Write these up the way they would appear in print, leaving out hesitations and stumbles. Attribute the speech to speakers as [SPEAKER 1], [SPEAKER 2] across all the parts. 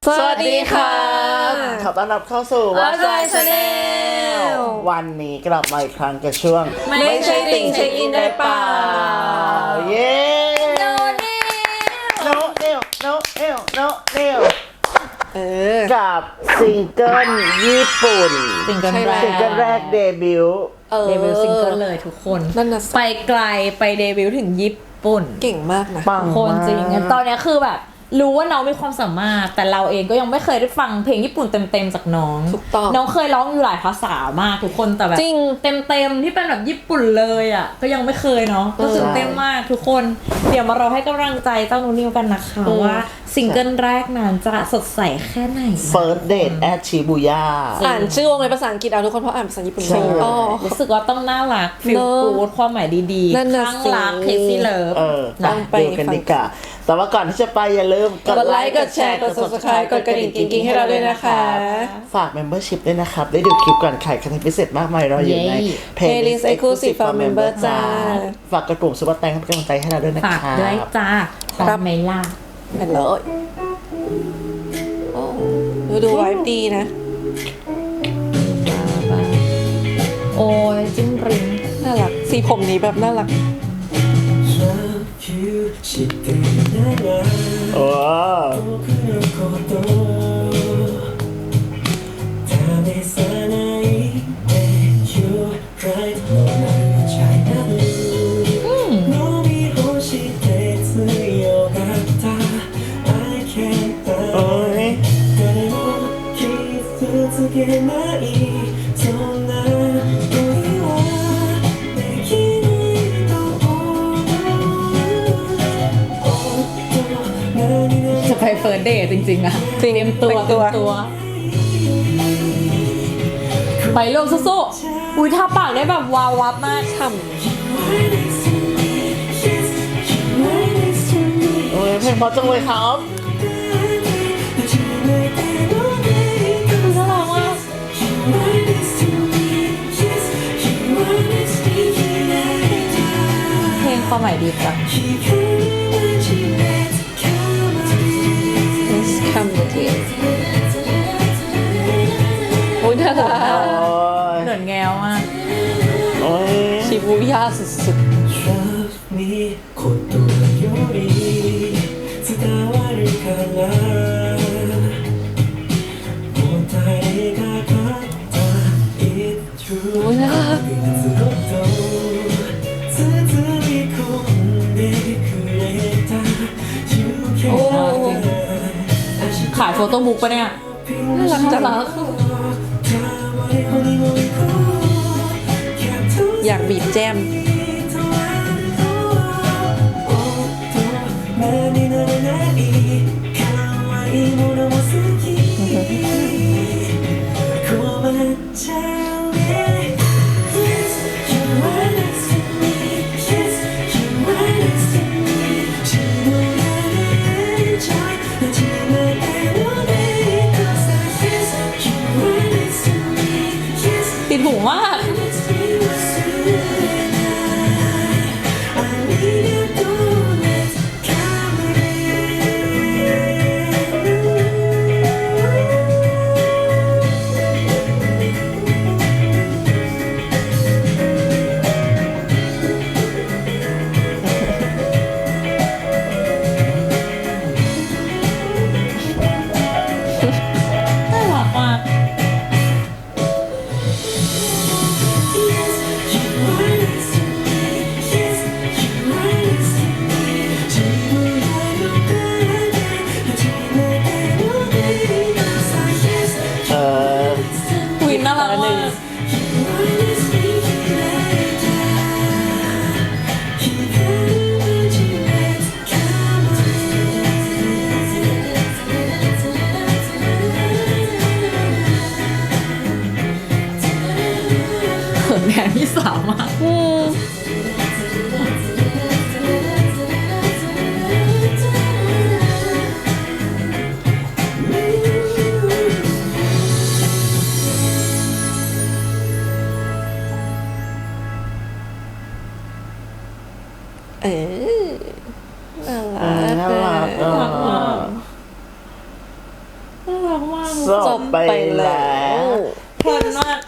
[SPEAKER 1] สวัสดีค่ะ
[SPEAKER 2] ขอต้อนรับเข้าสู่
[SPEAKER 1] What's My Channel
[SPEAKER 2] วันนี้กลับมาอีกครั้งกับช่วง
[SPEAKER 1] ไม่ใช่ติ่งเช็คอินได้เปล่า
[SPEAKER 2] เย้โนเอลกับซิงเกิลญี่ปุ่น
[SPEAKER 3] ซิงเกิลแรก
[SPEAKER 2] ซิงเกิลแรกเดบิวต์
[SPEAKER 3] เดบิวต์ซิงเกิลเลยทุกคน
[SPEAKER 1] นั่นน่ะ
[SPEAKER 3] ไปไกลไปเดบิวต์ถึงญี่ปุ่น
[SPEAKER 1] เก่งมากนะ
[SPEAKER 2] ปัง
[SPEAKER 3] คนจริง
[SPEAKER 2] มาก
[SPEAKER 3] ตอนเนี้ยคือแบบรู้ว่าน้องมีความสามารถแต่เราเองก็ยังไม่เคยได้ฟังเพลงญี่ปุ่นเต็มๆจากน้อง
[SPEAKER 1] ถูกต้อง
[SPEAKER 3] น้องเคยร้องอยู่หลายภาษามากทุกคนแต่แบบ
[SPEAKER 1] จริง
[SPEAKER 3] เต็มๆที่เป็นแบบญี่ปุ่นเลยอ่ะก็ยังไม่เคยเนาะก็ตื่นเต้นมากทุกคนเดี๋ยวมาเราให้กำลังใจเจ้านูนิวกันนะคะว่าซิงเกิลแรกนั้นจะสดใสแค่ไหน
[SPEAKER 2] First Date at Shibuya
[SPEAKER 1] อ่านชื่อวงในภาษาอังกฤษเอาทุกคนเพราะอ่านภาษาญี่ปุ่น
[SPEAKER 2] ใช่
[SPEAKER 1] ไม่ออก
[SPEAKER 3] รู้สึกว่าต้องน่ารักฟิล
[SPEAKER 1] เนอะ
[SPEAKER 3] กูดความหมายดีๆ
[SPEAKER 1] นั่นน่ะ
[SPEAKER 3] ข้าง
[SPEAKER 1] สิ
[SPEAKER 3] รักเคซี่เลิฟ
[SPEAKER 1] ต้องไป
[SPEAKER 2] ดูกันดีกว่าแต่ว่าก่อนที่จะไปอย่าลืม
[SPEAKER 1] กดไลค์กดแชร์กด subscribe กดกระดิ่งกิ๊งๆให้เราด้วยนะคะ
[SPEAKER 2] ฝาก membership ด้วยนะครับ ได้ดูคลิปก่อนใครคอนเทนต์พิเศษมากมายรออยู่ใน
[SPEAKER 1] Playlist Exclusive for Member จ้า
[SPEAKER 2] ฝากกดปุ่มซุปเปอร์แตงให้เป็นกำลังใจให้เราด้วยนะค
[SPEAKER 3] ฝา
[SPEAKER 2] รั
[SPEAKER 3] กด้วย
[SPEAKER 2] บ
[SPEAKER 3] จ้าขอ
[SPEAKER 1] ครับ
[SPEAKER 3] ไหมล่ะ
[SPEAKER 1] ไปเลยโอ้ดูไวฟ์ดีนะ
[SPEAKER 3] โอ้ยจิ้มริม
[SPEAKER 1] น่ารัก สีผมนี้แบบน่ารัก
[SPEAKER 2] โอ้โอ้ย
[SPEAKER 3] จะไปเฟิร์สเดย์จริงๆอะ
[SPEAKER 1] จริง
[SPEAKER 3] เตรียมตัว
[SPEAKER 1] แต่งตัว
[SPEAKER 3] ไปลงสู้ๆอุ้ยทาปากได้แบบวาววับมาก
[SPEAKER 1] ฉ่
[SPEAKER 2] โอ้ยเพลงเพราะจังเลยครับ
[SPEAKER 3] น่ารักมากเพลงความหมายดีจัง
[SPEAKER 1] ำ Let's come with you โอ้ยน่ารัก
[SPEAKER 2] โอ้ย
[SPEAKER 3] เหมือนแงวมาก
[SPEAKER 2] โอ้ย
[SPEAKER 1] ชิบูย่าสุด ๆโอ้ยน่ารัก โอ้
[SPEAKER 3] ขายโฟโต้บุ๊กปะเนี่ย
[SPEAKER 1] น่ารักจังอยากบีบแจม
[SPEAKER 3] ติดหูมาก น่ารักมาก
[SPEAKER 2] เออ
[SPEAKER 3] วินน่ารักมาก เขินแทนพี่สาวมาก
[SPEAKER 1] อืม เออน่ารัก
[SPEAKER 2] น่ารักอ่ะ
[SPEAKER 1] น่
[SPEAKER 2] จบไปแล้ว
[SPEAKER 3] เพลินมาก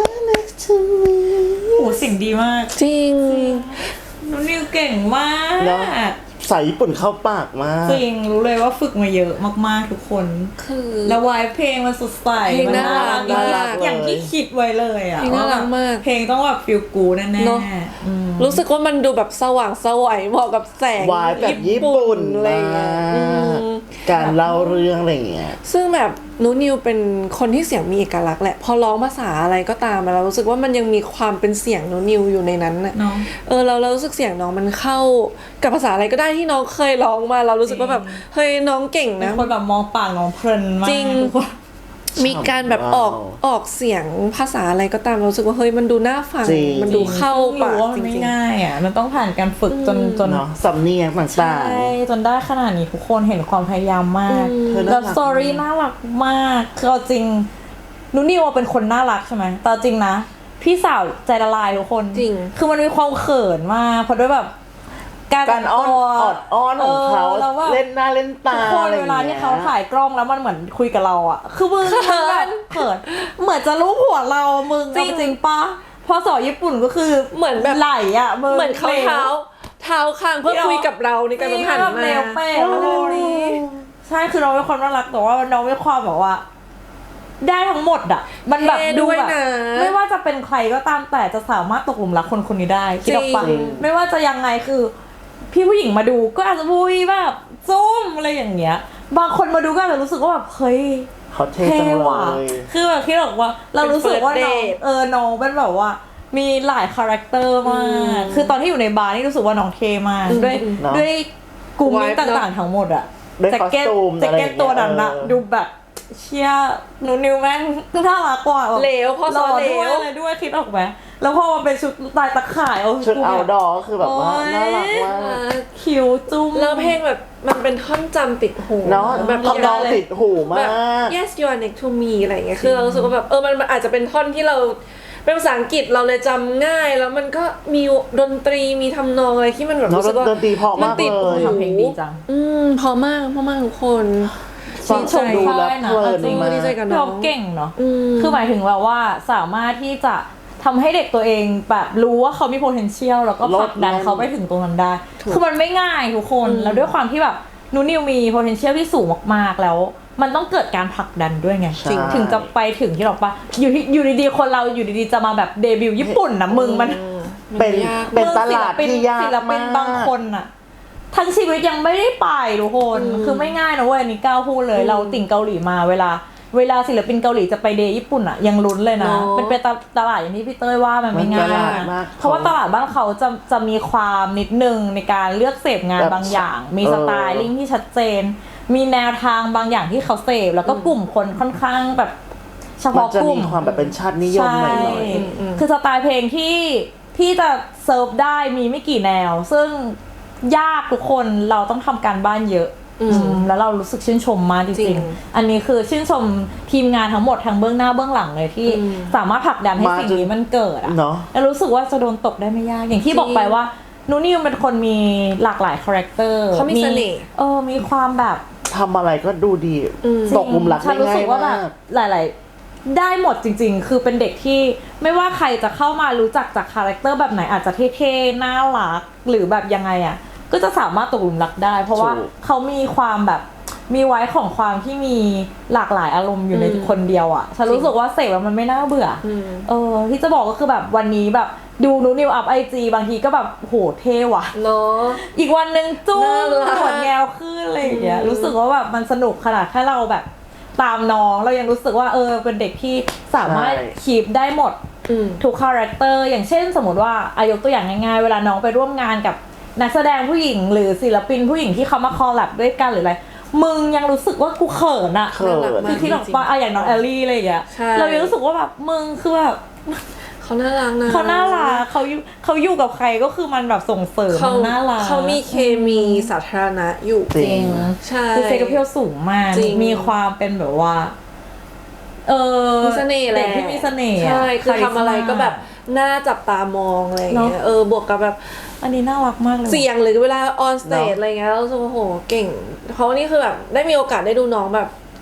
[SPEAKER 3] โอ้เสียงดีมาก
[SPEAKER 1] จริง
[SPEAKER 3] นุนิวเก่งมาก
[SPEAKER 2] เนอะ สายญี่ปุ่นเข้าปากมาก
[SPEAKER 3] จริงรู้เลยว่าฝึกมาเยอะมากๆทุกคน
[SPEAKER 1] คือ
[SPEAKER 3] แล้ววายเพลงมันสดใส
[SPEAKER 1] เพลง
[SPEAKER 3] มั
[SPEAKER 1] น่ารัก
[SPEAKER 2] น่ารัก
[SPEAKER 3] อย่างที่คิดไว้เลยอ่ะ
[SPEAKER 1] เพลงน่ารักมาก
[SPEAKER 3] เพลงต้องแบบฟิลกูแน่
[SPEAKER 1] เนอะ
[SPEAKER 3] ๆอืม
[SPEAKER 1] รู้สึกว่ามันดูแบบสว่างไสวยเหมาะกับแสง
[SPEAKER 2] วายแบบญี่ปุ่น
[SPEAKER 1] อะไรอย่างเงี้ย
[SPEAKER 2] มาก
[SPEAKER 1] อืม
[SPEAKER 2] การเล่าเรื่องอะไรอย่างเงี้ย
[SPEAKER 1] ซึ่งแบบนูนิวเป็นคนที่เสียงมีเอกลักษณ์แหละพอร้องภาษาอะไรก็ตามเรารู้สึกว่ามันยังมีความเป็นเสียงนูนิวอยู่ในนั้นน่ะ
[SPEAKER 3] เนาะ
[SPEAKER 1] เรารู้สึกเสียงน้องมันเข้ากับภาษาอะไรก็ได้ที่น้องเคยร้องมาเรารู้สึกว่าแบบเฮ้ยน้องเก่ง
[SPEAKER 3] เป็น
[SPEAKER 1] นะ
[SPEAKER 3] คนแบบมองปากน้องเพลินมาก
[SPEAKER 1] จริง
[SPEAKER 3] ทุกคน
[SPEAKER 1] มีการแบบออกเสียงภาษาอะไรก็ตามเรารู้สึกว่าเฮ้ยมันดูน่าฟัง
[SPEAKER 2] จริง
[SPEAKER 1] มันดูเข้า
[SPEAKER 3] ซึ่ง
[SPEAKER 1] ปาก
[SPEAKER 3] รู้ว่ามั
[SPEAKER 1] จ
[SPEAKER 3] นไม่
[SPEAKER 1] ริง
[SPEAKER 3] ง่ายอ่ะมันต้องผ่านการฝึกจน
[SPEAKER 2] เนาะสำเนียงต่าง
[SPEAKER 3] ใช่จนได้ขนาดนี้ทุกคนเห็นความพยายามมาก
[SPEAKER 2] เธอน่ารัก
[SPEAKER 3] แล้วสตอรี่น่ารักมากคือเอาจริงนุนิวเป็นคนน่ารักใช่ไหมแต่เอาจริงนะ พี่สาวใจละลายทุกคน
[SPEAKER 1] จริง
[SPEAKER 3] คือมันมีความเขินมากเพราะด้วยแบบ
[SPEAKER 2] การอ้อนออดอ้อนของเขา
[SPEAKER 3] แล้วแบบ
[SPEAKER 2] เล่นหน้าเล่นตา
[SPEAKER 3] ทุกคน
[SPEAKER 2] อะไรอ
[SPEAKER 3] เว
[SPEAKER 2] ย่าง
[SPEAKER 3] ลา
[SPEAKER 2] เงี้
[SPEAKER 3] ที่
[SPEAKER 2] ย
[SPEAKER 3] เขาถ่ายกล้องแล้วมันเหมือนคุยกับเราอ่ะ คือมึงมันแบบเขินเหมือนจะรู้หัวเรามึง
[SPEAKER 1] จริง
[SPEAKER 3] เอาจริงปะพอสอนญี่ปุ่นก็คือ
[SPEAKER 1] เหมือนแบบ
[SPEAKER 3] ไหลอ่ะมึง
[SPEAKER 1] เหมือนเขาเท้าข้างเพื่อคุยกับเราในการสัมผัส
[SPEAKER 3] แบบ
[SPEAKER 1] มา
[SPEAKER 3] เร็วเป๊ะอะไรนี้ใช่คือน้องเป็นคนน่ารักแต่ว่าน้องมีความแบบว่า ได้ทั้งหมดอ่ะ มันแบบ
[SPEAKER 1] เท่
[SPEAKER 3] ดู
[SPEAKER 1] ด้วย
[SPEAKER 3] แบบ
[SPEAKER 1] นะ
[SPEAKER 3] ไม่ว่าจะเป็นใครก็ตามแต่จะสามารถตกหลุมรักคนคนนี้ได้คิดออกปะ
[SPEAKER 1] จริง
[SPEAKER 3] ไม่ว่าจะยังไงคือ พี่ผู้หญิงมาดูก็อาจจะพูดแบบจุ้มอะไรอย่างเงี้ย บางคนมาดูก็อาจจะรู้สึกว่าแบบเฮ้ย
[SPEAKER 2] เขาเท่
[SPEAKER 3] เท่
[SPEAKER 2] จังเล
[SPEAKER 3] ว่ะ
[SPEAKER 2] ย
[SPEAKER 3] คือแบบคิดออกว่า เรารู้สึกว่า
[SPEAKER 1] เป็น
[SPEAKER 3] น้อง
[SPEAKER 1] first date
[SPEAKER 3] น้องเป็นแบบว่า มีหลายคาแรคเตอร์มาก คือตอนที่อยู่ในบาร์นี่รู้สึกว่าน้องเท่มากด้วย
[SPEAKER 2] เนอะ
[SPEAKER 3] ด้วยกลุ่มนี้
[SPEAKER 1] Vibe เนอะ
[SPEAKER 3] ต่างๆทั้งหมดอะ
[SPEAKER 2] ด้วย
[SPEAKER 3] แจ็คเก็ต
[SPEAKER 2] costume
[SPEAKER 3] แจ็คเก็ต
[SPEAKER 2] อะไรอย่างเงี้ย
[SPEAKER 3] ตัวนั้นอะดูแบบเชี่ยหนูนิวแม่งน่ารักกว่าแบบ
[SPEAKER 1] เหลวพอสอน
[SPEAKER 3] หล่ด้วย
[SPEAKER 1] เหลว
[SPEAKER 3] อะไรด้วยคิดออกไหมแล้วพอมาเป็นชุดลายตะข่ายเอา
[SPEAKER 2] ชุด
[SPEAKER 3] กู
[SPEAKER 2] เอา
[SPEAKER 3] แบบ
[SPEAKER 2] ดอคือแบบว่า
[SPEAKER 3] โอ๊ย
[SPEAKER 2] น่ารักมาก
[SPEAKER 3] คิวจุ้ม
[SPEAKER 1] แล้วเพลงแบบมันเป็นท่อนจำติดหู
[SPEAKER 2] เนาะ
[SPEAKER 1] แบบ
[SPEAKER 2] ทำนองติดหูมา
[SPEAKER 1] แบบ
[SPEAKER 2] ก
[SPEAKER 1] yes you are next to me อะไรอย่างเงี้ยคือเรารู้สึกว่าแบบมันอาจจะเป็นท่อนที่เราเป็นภาษาอังกฤษเราเลยจำง่ายแล้วมันก็มีดนตรีมีทำนองอะไรที่มันแบบ
[SPEAKER 2] เนอะ
[SPEAKER 1] รู้สึกว่า
[SPEAKER 2] ดนตรีเพราะมาก
[SPEAKER 1] ติด
[SPEAKER 2] เลย
[SPEAKER 1] หู
[SPEAKER 3] ทำเพลงดีจัง
[SPEAKER 1] พอมากทุกคน
[SPEAKER 2] ฟังชมดูแล้วเพลิน
[SPEAKER 1] จริง
[SPEAKER 2] มาก
[SPEAKER 1] ดีใจกับน้
[SPEAKER 3] น้
[SPEAKER 1] อ
[SPEAKER 3] อง งเก่งเนาะ
[SPEAKER 1] ม
[SPEAKER 3] คือหมายถึงแบบว่าสามารถที่จะทำให้เด็กตัวเองแบบรู้ว่าเขามี potential แล้วก็ผลักดันเขาไปถึงตรงนั้นได้ คือมันไม่ง่ายทุกคน แล้วด้วยความที่แบบนูนิวมี potential ที่สูงมากๆแล้ว มันต้องเกิดการผลักดันด้วยไง
[SPEAKER 2] ใช่
[SPEAKER 3] ถึงจะไปถึงที่หรอกปะอยู่ดีๆคนเราอยู่ดีๆจะมาแบบเดบิวต์ญี่ปุ่นนะมึงมัน
[SPEAKER 2] เป็น
[SPEAKER 1] ยาก
[SPEAKER 2] เป็นตลาดที่ยาก
[SPEAKER 3] ศิลปิ
[SPEAKER 2] มาน ก
[SPEAKER 3] บางคนอะทั้งชีวิตยังไม่ได้ไปทุกคน คือไม่ง่ายนะเว้ยอันนี้ก้าวพูดเลย เราติ่งเกาหลีมาเวลาศิลปินเกาหลีจะไปเดย์ญี่ปุ่นอะยังลุ้นเลยนะ
[SPEAKER 1] เนอะ
[SPEAKER 3] เป็นตลาดอย่างที่พี่เต้ยว่ามันไม่ง่าย
[SPEAKER 2] มันตลาดมาก
[SPEAKER 3] เพราะว่าตลาดบ้านเขาจะมีความนิดนึงในการเลือกเสพงาน
[SPEAKER 2] แบบ
[SPEAKER 3] บางอย่าง มี
[SPEAKER 2] เออ
[SPEAKER 3] สไตลิ่งที่ชัดเจน มีแนวทางบางอย่างที่เขาเสพแล้วก็กลุ่มคนค่อนข้างแบบเฉ
[SPEAKER 2] มัน
[SPEAKER 3] พาะ
[SPEAKER 2] จะ
[SPEAKER 3] กลุ่
[SPEAKER 2] มี
[SPEAKER 3] ม
[SPEAKER 2] ความแบบเป็นชาตินิยมหน่อย
[SPEAKER 3] ใช่คือสไตล์เพลงที่จะเซิร์ฟได้มีไม่กี่แนว ซึ่งยากทุกคนเราต้องทำการบ้านเยอะแล้วเรารู้สึกชื่นชมมากจ
[SPEAKER 1] จริ
[SPEAKER 3] ริง
[SPEAKER 1] ง
[SPEAKER 3] ๆอันนี้คือชื่นชมทีมงานทั้งหมดทั้งเบื้องหน้าเบื้องหลังเลยที่สามารถผลักดันให้
[SPEAKER 2] มา
[SPEAKER 3] สิ่งนี้มันเกิดอะ
[SPEAKER 2] เนาะ
[SPEAKER 3] แล้วรู้สึกว่าจะโดนตกได้ไม่ยากอย่างที่บอกไปว่านูนิวเป็นคนมีหลากหลายคาแรคเตอร์
[SPEAKER 1] เขามีเสน่ห์
[SPEAKER 3] มีความแบบ
[SPEAKER 2] ทำอะไรก็ดูดี ตกหลุมรัก
[SPEAKER 3] ฉั
[SPEAKER 2] ได้
[SPEAKER 3] นรู้
[SPEAKER 2] ง่า
[SPEAKER 3] สึ
[SPEAKER 2] ย
[SPEAKER 3] กว่าแบ
[SPEAKER 2] มา
[SPEAKER 3] บ
[SPEAKER 2] ก
[SPEAKER 3] หลายๆ ได้หมดจริงๆ คือเป็นเด็กที่ไม่ว่าใครจะเข้ามารู้จักจากคาแรคเตอร์แบบไหนอาจจะเท่ๆน่ารักหรือแบบยังไงอ่ะก็จะสามารถตกหลุมรักได้ เพราะว่า
[SPEAKER 2] ถูก
[SPEAKER 3] เขามีความแบบมีไว้ของความที่มีหลากหลายอารมณ์อยู่ในคนเดียวอ่ะฉันรู้สึกว่าเสพแล้วมันไม่น่าเบื่อที่จะบอกก็คือแบบวันนี้แบบดูนูนิวอัพIG บางทีก็แบบโหเท่ว่ะ
[SPEAKER 1] เนาะ
[SPEAKER 3] อีกวันหนึ่งจุ้
[SPEAKER 1] น่าม รัก
[SPEAKER 3] หัวแงวขึ้นอะไรอย่างเงี้ยรู้สึกว่าแบบมันสนุกขนาดแค่เราแบบตามน้องเรายังรู้สึกว่าเป็นเด็กที่สามารถ
[SPEAKER 2] ใช่
[SPEAKER 3] คีปได้หมดทุกคาแรคเตอร์อย่างเช่นสมมติว่ายกตัวอย่างง่ายๆเวลาน้องไปร่วมงานกับนักแสดงผู้หญิงหรือศิลปินผู้หญิงที่เขามาคอลแลบด้วยกันหรืออะไรมึงยังรู้สึกว่ากูเขินอะ
[SPEAKER 2] เขิน
[SPEAKER 3] คือที่บอกว่าอย่างน้องแอลลี่อะไรอย่างเงี้ย
[SPEAKER 1] ใช่
[SPEAKER 3] เรายังรู้สึกว่าแบบมึงคือแบบ
[SPEAKER 1] เขาน่ารักนะ
[SPEAKER 3] เขาน่ารักเขาอยู่กับใครก็คือมันแบบส่งเสริม
[SPEAKER 1] เขา
[SPEAKER 3] น่ารัก
[SPEAKER 1] เขามีเคมีสาธารณะอยู่
[SPEAKER 2] จริ
[SPEAKER 3] จริง
[SPEAKER 1] ใช่
[SPEAKER 3] คือเซกเพียวสูงมาก
[SPEAKER 1] จริง
[SPEAKER 3] มีความเป็นแบบว่า
[SPEAKER 1] มีเสน่ห์แห
[SPEAKER 3] เด็
[SPEAKER 1] ละ
[SPEAKER 3] กที่มีเสน่ห์
[SPEAKER 1] ใช่คือทำอะไรก็แบบ
[SPEAKER 3] คาริส
[SPEAKER 1] น่าจับตามองอะไรอย่างเงี้ย
[SPEAKER 3] เนอะ
[SPEAKER 1] บวกกับแบบ
[SPEAKER 3] ม่าอันนี้น่ารักมากเลย
[SPEAKER 1] เสียงหรือเวลาออนสเตจ
[SPEAKER 2] เนอะ
[SPEAKER 1] อะไรเงี้ยเรารู้สึกว่าโหเก่ง เพราะว่านี่คือแบบได้มีโอกาสได้ดูน้องแบบ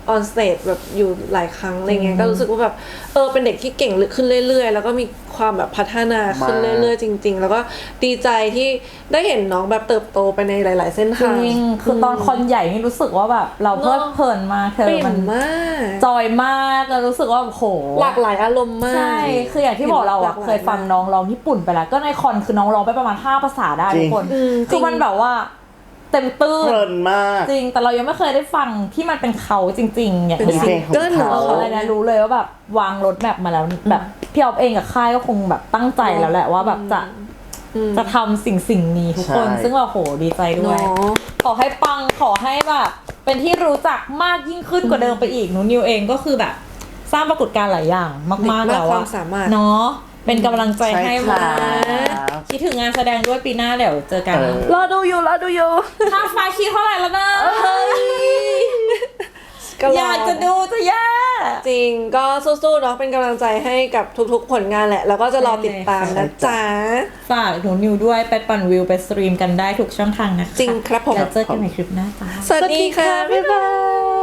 [SPEAKER 1] ออนสเตจแบบอยู่หลายครั้งอะไรเงี้ยก็รู้สึกว่าแบบเป็นเด็กที่เก่งขึ้นเรื่อยๆแล้วก็มีความแบบพัฒนาขึ้นเรื่อยๆจริงๆแล้วก็ดีใจที่ได้เห็นน้องแบบเติบโตไปในหลายๆเส้น
[SPEAKER 3] จ
[SPEAKER 1] ทาง
[SPEAKER 3] ริงคือตอนคอนใหญ่นี่รู้สึกว่าแบบเราเพลิดเพลินมากเธอ
[SPEAKER 1] ปิ่
[SPEAKER 3] มัน
[SPEAKER 1] มมาก
[SPEAKER 3] จอยมากแล้วรู้สึกว่าโห
[SPEAKER 1] หลากหลายอารมณ์มาก
[SPEAKER 3] ใช่ คืออย่างที่บอกเรา
[SPEAKER 1] หล
[SPEAKER 3] อะ
[SPEAKER 1] กหล
[SPEAKER 3] เคยฟังน้องร้องญี่ปุ่นไปแล้ว ก็ในคอนคือน้องร้องไปประมาณ5ภาษาได้ทุกคน
[SPEAKER 1] จริง
[SPEAKER 3] คือมันแบบว่าเต็มตื้น
[SPEAKER 2] เพลินมาก
[SPEAKER 3] จริง แต่เรายังไม่เคยได้ฟังที่มันเป็นเขาจริง ๆ อย่าง
[SPEAKER 1] เป็น
[SPEAKER 3] เงี้ย
[SPEAKER 1] ซิงเกิล
[SPEAKER 2] เป็นเพลงของเขา
[SPEAKER 3] อะไรนะรู้เลยว่าแบบวางรถแมพมาแล้วแบบพี่ออฟเองกับค่ายก็คงแบบตั้งใจแล้วแหละว่าแบบจะทำสิ่งนี้ทุกคน
[SPEAKER 2] ใช่
[SPEAKER 3] ซึ่งเราโหดีใจด้วย
[SPEAKER 1] เนาะ
[SPEAKER 3] ขอให้ปังขอให้แบบเป็นที่รู้จักมากยิ่งขึ้นกว่าเดิมไปอีกหนูนิวเองก็คือแบบสร้างปรากฏการณ์หลายอย่างมากๆแล้ว
[SPEAKER 1] ควา
[SPEAKER 3] อะ
[SPEAKER 1] มสามารถ
[SPEAKER 3] เนาะเป็นกำลังใจให้
[SPEAKER 2] ใช่
[SPEAKER 3] มา
[SPEAKER 2] ครับ
[SPEAKER 3] คิดถึงงานแสดงด้วยปีหน้าเดี๋ยวเจอกัน
[SPEAKER 1] รอดูอยู่
[SPEAKER 3] ค่าไฟคิดเท่าไหร่แล้วนะ
[SPEAKER 1] ก็ร
[SPEAKER 3] อยากจะดูจะแย่
[SPEAKER 1] จริงก็สู้ๆเนาะเป็นกำลังใจให้กับทุกๆผลงานแหละ แล้วก็จะรอติดตามนะจ๊ะ
[SPEAKER 3] ฝากหนูนิวด้วยไปปั่นวิวไปสตรีมกันได้ทุกช่องทางนะคะ
[SPEAKER 1] จริงครับผม
[SPEAKER 3] แล้วเจอกันในคลิปหน้าจ้า
[SPEAKER 1] สวัสดีค่ะ บ๊ายบาย